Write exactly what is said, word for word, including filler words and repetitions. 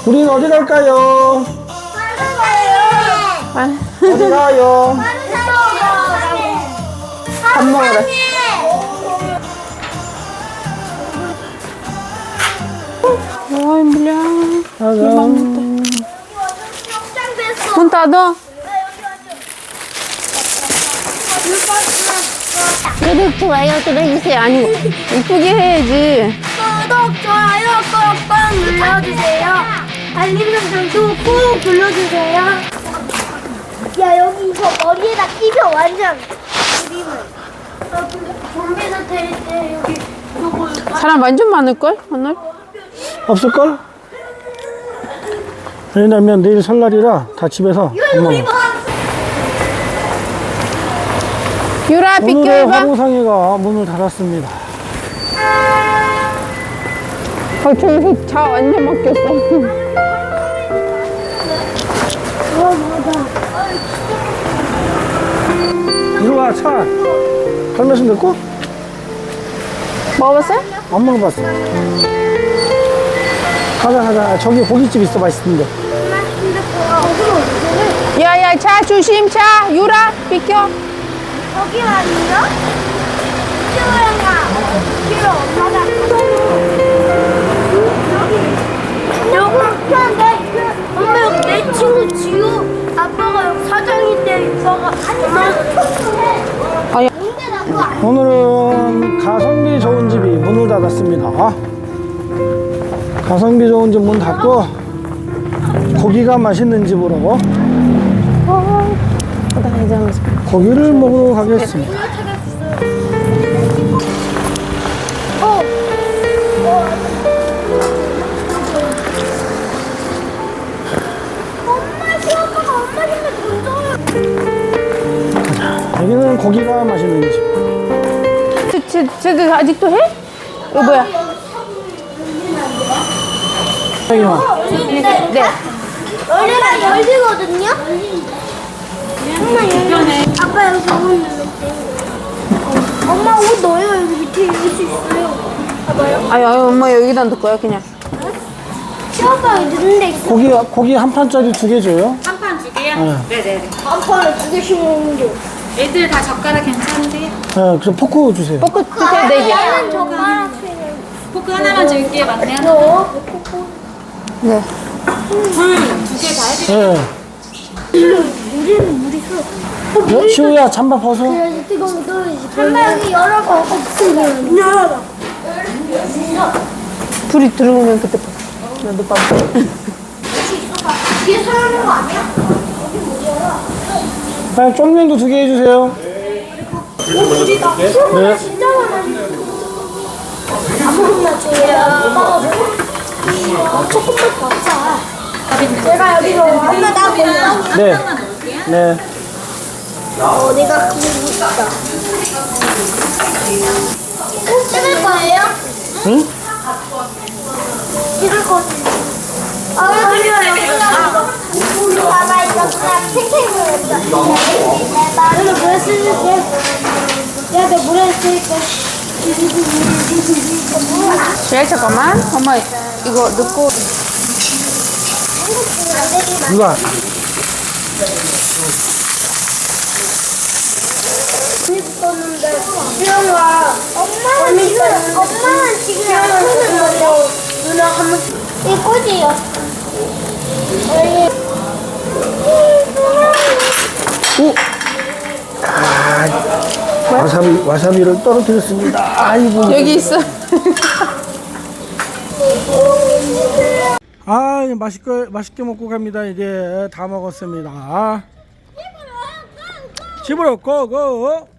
우린 어디 갈까요? 아, 어디 가요? 밥 먹으래. 어이, 물려. 짜잔. 문 닫아. 구독, 좋아요 눌러주세요. 아니, 이쁘게 해야지. 구독, 좋아요 꾹꾹 눌러주세요. 알림 설정도 꾹 눌러주세요. 야, 여기 이거 머리에다 끼면 완전 그림을. 아, 근데 좀비도 될때 여기 이거 사람 완전 많을걸, 오늘? 없을걸? 왜냐면 내일 설날이라 다 집에서 밥 먹어. 유라, 오늘의 비켜봐. 화로상회가 문을 닫았습니다. 아, 저기서 차 완전 막혔어. 이리 와, 차. 걸면서 됐고? 먹어봤어요? 안 먹어봤어. 가자, 가자. 저기 고깃집 있어, 맛있는데. 야, 야, 차 조심, 차. 유라, 비켜. 여기 아니야? 지우랑아, 지우 엄마가 여기 여기 내 엄마 여기 내 친구 지우 아빠가 여기 사장인데 오빠가 아야. 근데 나 그거 안 오늘은 가성비 좋은 집이 문을 닫았습니다. 가성비 좋은 집 문 닫고 고기가 맛있는 집으로 고기를 먹으러 가겠습니다. 어. 엄마 시아빠가 엄마 힘을 던져요. 여기는 고기가 맛있는 집. 쟤, 쟤, 쟤도 아직도 해? 이거 뭐야? 여기만. 네. 원래가 열리거든요? 엄마 열리 아빠 여기 옷 넣을게. 엄마 옷 넣어요. 여기 밑에 입을 수 있어요. 봐봐요. 아유, 아유, 엄마 여기다 넣을 거야, 그냥. 시아빠 여기 넣는 데 있어. 고기, 고기 한 판짜리 두 개 줘요. 한 판 두 개요? 네. 네네네. 한 판에 두 개씩 먹는 게. 애들 다 젓가락 괜찮으세요? 네, 그래서 포크 주세요. 포크 주세요, 네 개. 나는 젓가락 튀는. 포크 하나만 줄게요, 맞네요. 너? 네. 불두 개 다 해드릴게요. 네. 물에는 물이 있어. 야, 시우야, 잠바 벗어. 그래야지 뜨거운 거 떨어지지. 잠깐 여기 열어봐. 없으면. 열어봐. 불이 들어오면 그때 봐. 나도 봐. 뒤에 서는 거 아니야? 네, 쫄면도 두 개 해주세요. 네. 진짜 많아. 아무거나 줘요. 조금만 더 짜. 내가 여기로 엄마 나 몰라. 네. 네. 어, 내가 그거 있다. 찍을 거예요? 응? 찍을 거. 아, 그래요. 우리 봐봐, 이거 그냥 탱탱이로 했다. 나는 물에 쓸게. 야, 내 물에 쓸게. 야, 잠깐만. 엄마, 이거 넣고. 누가? 재밌었는데 수영아 엄마는 지금 엄마는 지금 손을 먼저 누나 한번 이 꽃이요. 오! 아, 와사비, 와사비를 떨어뜨렸습니다. 아이고. 여기 있어. 아, 맛있게, 맛있게 먹고 갑니다. 이제 다 먹었습니다. 집으로 고고!